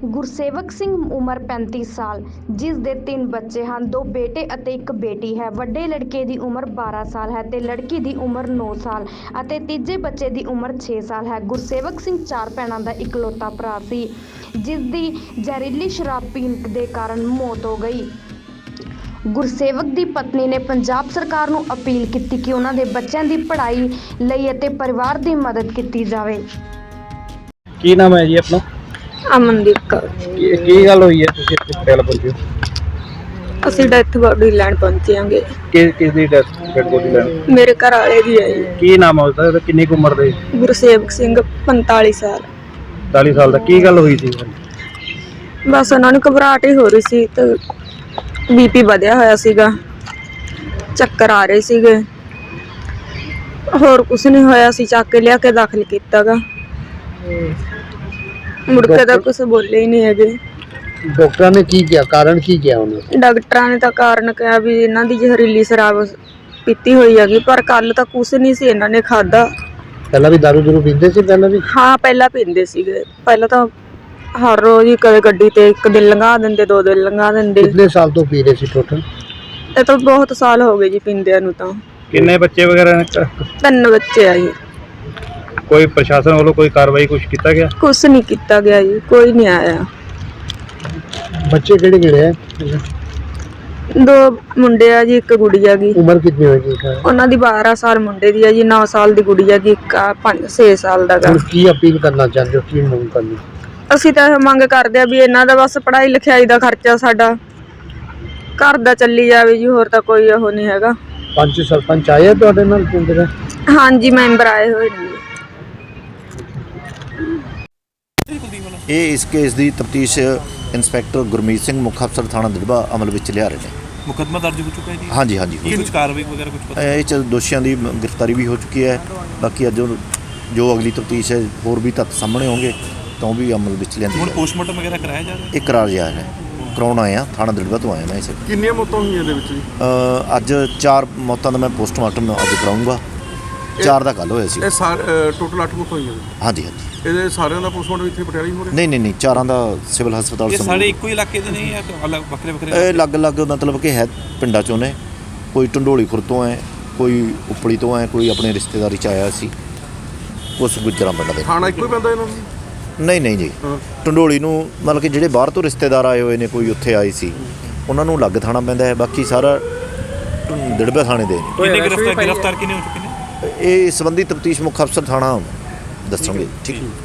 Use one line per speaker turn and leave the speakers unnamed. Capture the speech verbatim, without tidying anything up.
ਗੁਰਸੇਵਕ ਸਿੰਘ ਉਮਰ पैंती साल, जिस दे तीन बच्चे हैं, दो बेटे ਅਤੇ ਇੱਕ ਬੇਟੀ ਹੈ। ਵੱਡੇ ਲੜਕੇ ਦੀ ਉਮਰ बारह ਸਾਲ ਹੈ ਤੇ ਲੜਕੀ ਦੀ ਉਮਰ नौ ਸਾਲ ਅਤੇ ਤੀਜੇ ਬੱਚੇ ਦੀ ਉਮਰ छह ਸਾਲ ਹੈ। ਗੁਰਸੇਵਕ ਸਿੰਘ ਚਾਰ ਭੈਣਾਂ ਦਾ ਇਕਲੌਤਾ ਭਰਾ ਸੀ, ਜਿਸ ਦੀ ਜ਼ਹਿਰੀਲੀ ਸ਼ਰਾਬ ਪੀਣ ਦੇ ਕਾਰਨ ਮੌਤ ਹੋ ਗਈ। ਗੁਰਸੇਵਕ ਦੀ ਪਤਨੀ ਨੇ ਪੰਜਾਬ ਸਰਕਾਰ ਨੂੰ ਅਪੀਲ ਕੀਤੀ ਕਿ ਉਹਨਾਂ ਦੇ ਬੱਚਿਆਂ ਦੀ ਪੜ੍ਹਾਈ ਲਈ ਅਤੇ ਪਰਿਵਾਰ ਦੀ ਮਦਦ ਕੀਤੀ ਜਾਵੇ।
ਕੀ ਨਾਮ ਹੈ ਜੀ ਆਪਣਾ?
ਅਮਨਦੀਪ ਕੌਰ।
ਕੀ ਕੀ ਗੱਲ ਹੋਈ ਹੈ ਤੁਸੀਂ ਇੱਥੇ ਪਟਿਆਲਾ ਪਹੁੰਚੇ ਹੋ?
ਅਸੀਂ ਡੈਥ ਬੋਡੀ ਲੈਣ ਪਹੁੰਚੇ ਆਂਗੇ।
ਕਿਸ ਕਿਸ ਦੀ ਡੈਥ ਡੈਡ ਬੋਡੀ ਲੈਣ?
ਮੇਰੇ ਘਰ ਵਾਲੇ ਦੀ ਹੈ ਜੀ।
ਕੀ ਨਾਮ ਹੈ ਉਹਦਾ ਤੇ ਕਿੰਨੀ ਕੁ ਉਮਰ ਦੇ?
ਗੁਰਸੇਵਕ ਸਿੰਘ पैंतालीस ਸਾਲ।
ਚਾਲੀ ਸਾਲ ਦਾ। ਕੀ ਗੱਲ ਹੋਈ ਸੀ?
ਬਸ ਉਹਨਾਂ ਨੂੰ ਘਬਰਾਹਟ ਹੀ ਹੋ ਰਹੀ ਸੀ ਤੇ ਬੀਪੀ ਵਧਿਆ ਹੋਇਆ ਸੀਗਾ, ਚੱਕਰ ਆ ਰਹੇ ਸੀਗੇ, ਹੋਰ ਕੁਝ ਨਹੀਂ ਹੋਇਆ ਸੀ। ਚੱਕ ਕੇ ਲਿਆ ਕੇ ਦਾਖਲ ਕੀਤਾਗਾ, ਮੁੜ ਕੇ ਤਾਂ ਕੁਝ ਬੋਲੇ ਹੀ ਨਹੀਂ ਹੈਗੇ।
ਡਾਕਟਰਾਂ ਨੇ ਕੀ ਕਿਹਾ? ਕਾਰਨ ਕੀ ਕਿਹਾ ਉਹਨੇ?
ਡਾਕਟਰਾਂ ਨੇ ਤਾਂ ਕਾਰਨ ਕਿਹਾ ਵੀ ਇਹਨਾਂ ਦੀ ਜ਼ਹਿਰੀਲੀ ਸ਼ਰਾਬ ਪੀਤੀ ਹੋਈ ਹੈਗੀ, ਪਰ ਕੱਲ ਤਾਂ ਕੁਝ ਨਹੀਂ ਸੀ ਇਹਨਾਂ ਨੇ ਖਾਦਾ।
ਪਹਿਲਾਂ ਵੀ ਦਾਰੂ ਦੂਰੂ ਪੀਂਦੇ ਸੀ? ਪਹਿਲਾਂ ਵੀ?
ਹਾਂ, ਪਹਿਲਾਂ ਪੀਂਦੇ ਸੀਗੇ। ਪਹਿਲਾਂ ਤਾਂ ਹਰ ਰੋਜ਼ ਹੀ ਕਦੇ ਗੱਡੀ ਤੇ ਇੱਕ ਦਿਨ ਲੰਘਾ ਦਿੰਦੇ, ਦੋ ਦਿਨ ਲੰਘਾ ਦਿੰਦੇ।
ਕਿੰਨੇ ਸਾਲ ਤੋਂ ਪੀ ਰਹੇ ਸੀ ਟੋਟਲ?
ਇਹ ਤਾਂ ਬਹੁਤ ਸਾਲ ਹੋ ਗਏ ਜੀ ਪੀਂਦਿਆਂ ਨੂੰ। ਤਾਂ
ਕਿੰਨੇ ਬੱਚੇ ਵਗੈਰਾ ਨੇ?
ਤਿੰਨ ਬੱਚੇ ਆ ਜੀ।
ਕੋਈ ਪ੍ਰਸ਼ਾਸਨ ਵੱਲੋਂ ਕੋਈ ਕਾਰਵਾਈ ਕੁਝ ਕੀਤਾ ਗਿਆ?
ਕੁਛ ਨਹੀਂ ਕੀਤਾ ਗਿਆ ਜੀ, ਕੋਈ ਨਹੀਂ ਆਇਆ।
ਬੱਚੇ ਕਿਹੜੇ ਕਿਹੜੇ ਹੈ?
ਦੋ ਮੁੰਡੇ ਆ ਜੀ, ਇੱਕ ਗੁੜੀਆ ਗੀ।
ਉਮਰ ਕਿੰਨੀ ਹੋਏਗੀ?
ਉਹਨਾਂ ਦੀ बारह ਸਾਲ ਮੁੰਡੇ ਦੀ ਆ ਜੀ, नौ ਸਾਲ ਦੀ ਗੁੜੀਆ ਗੀ, ਇੱਕ ਆ ਪੰਜ छह ਸਾਲ ਦਾ ਗਾ।
ਹੁਣ ਕੀ ਅਪੀਲ ਕਰਨਾ ਚਾਹੁੰਦੇ ਹੋ? ਕੀ ਮੰਗ ਕਰਨੀ?
ਅਸੀਂ ਤਾਂ ਇਹ ਮੰਗ ਕਰਦੇ ਆ ਵੀ ਇਹਨਾਂ ਦਾ ਬਸ ਪੜ੍ਹਾਈ ਲਿਖਾਈ ਦਾ ਖਰਚਾ ਸਾਡਾ ਘਰ ਦਾ ਚੱਲੀ ਜਾਵੇ ਜੀ, ਹੋਰ ਤਾਂ ਕੋਈ ਉਹ ਨਹੀਂ ਹੈਗਾ।
ਪੰਚ ਸਰਪੰਚ ਆਏ ਆ ਤੁਹਾਡੇ ਨਾਲ ਪਿੰਡ ਦੇ?
ਹਾਂਜੀ, ਮੈਂਬਰ ਆਏ ਹੋਏ ਨੇ।
ਇਹ ਇਸ ਕੇਸ ਦੀ ਤਫਤੀਸ਼ ਇੰਸਪੈਕਟਰ ਗੁਰਮੀਤ ਸਿੰਘ ਮੁੱਖ ਅਫਸਰ ਥਾਣਾ ਦਿੜਬਾ ਅਮਲ ਵਿੱਚ ਲਿਆ ਰਹੇ ਨੇ।
ਮੁਕੱਦਮਾ ਦਰਜ ਹੋ ਚੁੱਕਾ ਹੈ ਜੀ?
ਹਾਂਜੀ ਹਾਂਜੀ।
ਕੁਝ ਕਾਰਵਾਈ ਵਗੈਰਾ ਕੁਝ ਪਤਾ?
ਇਹ 'ਚ ਦੋਸ਼ੀਆਂ ਦੀ ਗ੍ਰਿਫਤਾਰੀ ਵੀ ਹੋ ਚੁੱਕੀ ਹੈ। ਬਾਕੀ ਅੱਜ ਜੋ ਅਗਲੀ ਤਫਤੀਸ਼ ਹੈ, ਹੋਰ ਵੀ ਤੱਥ ਸਾਹਮਣੇ ਹੋਣਗੇ ਤਾਂ ਉਹ ਵੀ ਅਮਲ ਵਿੱਚ ਲਿਆਂਦੀ
ਹੁਣ
ਜਾਵੇ।
ਪੋਸਟਮਾਰਟਮ ਵਗੈਰਾ ਕਰਾਇਆ ਜਾ ਰਿਹਾ?
ਇਹ ਕਰਾਰ ਜਾ ਰਿਹਾ ਕਰਾਉਣ ਆਏ ਆ, ਥਾਣਾ ਦਿੜਬਾ ਤੋਂ ਆਏ ਮੈਂ ਇਸ।
ਕਿੰਨੀਆਂ ਮੌਤਾਂ ਹੋਈਆਂ ਇਹਦੇ ਵਿੱਚ ਜੀ?
ਅੱਜ ਚਾਰ ਮੌਤਾਂ ਦਾ ਮੈਂ ਪੋਸਟਮਾਰਟਮ ਅੱਜ ਕਰਾਊਂਗਾ। ਚਾਰ ਦਾ ਕੱਲ੍ਹ ਹੋਇਆ ਸੀ।
ਇਹ ਸਾਰੇ ਟੋਟਲ ਅੱਠ ਮੌਤਾਂ ਹੋਈਆਂ ਨੇ?
ਹਾਂਜੀ ਹਾਂਜੀ।
ਇਹਦੇ ਸਾਰਿਆਂ ਦਾ ਪੋਸਟਮਾਰਟਮ ਇੱਥੇ ਪਟਿਆਲਾ ਹੀ ਹੋ ਰਿਹਾ?
ਨਹੀਂ ਨਹੀਂ ਨਹੀਂ, ਚਾਰਾਂ ਦਾ ਸਿਵਲ ਹਸਪਤਾਲ।
ਇਹ ਸਾਰੇ ਇੱਕੋ ਹੀ ਇਲਾਕੇ ਦੇ ਨਹੀਂ ਜਾਂ ਅਲੱਗ ਵੱਖਰੇ ਵੱਖਰੇ?
ਇਹ ਅਲੱਗ-ਅਲੱਗ ਮਤਲਬ ਕਿ ਹੈ ਪਿੰਡਾਂ 'ਚੋਂ ਨੇ। ਕੋਈ ਢੰਡੋਲੀ ਖੁਰ ਤੋਂ ਹੈ, ਕੋਈ ਉਪਲੀ ਤੋਂ ਹੈ, ਕੋਈ ਆਪਣੇ ਰਿਸ਼ਤੇਦਾਰੀ 'ਚ ਆਇਆ ਸੀ, ਉਸ ਗੁੱਜਰਾਂ ਪਿੰਡ ਦੇ।
ਥਾਣਾ ਇੱਕੋ ਹੀ ਪੈਂਦਾ ਇਹਨਾਂ ਨੂੰ?
ਨਹੀਂ ਨਹੀਂ ਜੀ,
ਹਾਂ।
ਢੰਡੋਲੀ ਨੂੰ ਮਤਲਬ ਕਿ ਜਿਹੜੇ ਬਾਹਰ ਤੋਂ ਰਿਸ਼ਤੇਦਾਰ ਆਏ ਹੋਏ ਨੇ, ਕੋਈ ਉੱਥੇ ਆਏ ਸੀ, ਉਹਨਾਂ ਨੂੰ ਅਲੱਗ ਥਾਣਾ ਪੈਂਦਾ ਹੈ। ਬਾਕੀ ਸਾਰਾ ਦਿੜਬਾ ਥਾਣੇ ਦੇ ਨੇ।
ਕਿੰਨੇ ਗ੍ਰਿਫਤਾਰ ਗ੍ਰਿਫਤਾਰ ਕਿੰਨੇ ਹੋ ਚੁੱਕੇ ਨੇ?
ਇਹ ਸੰਬੰਧੀ ਤਫਤੀਸ਼ ਮੁੱਖ ਅਫਸਰ ਥਾਣਾ ਦੱਸਣਗੇ। ਠੀਕ ਹੈ।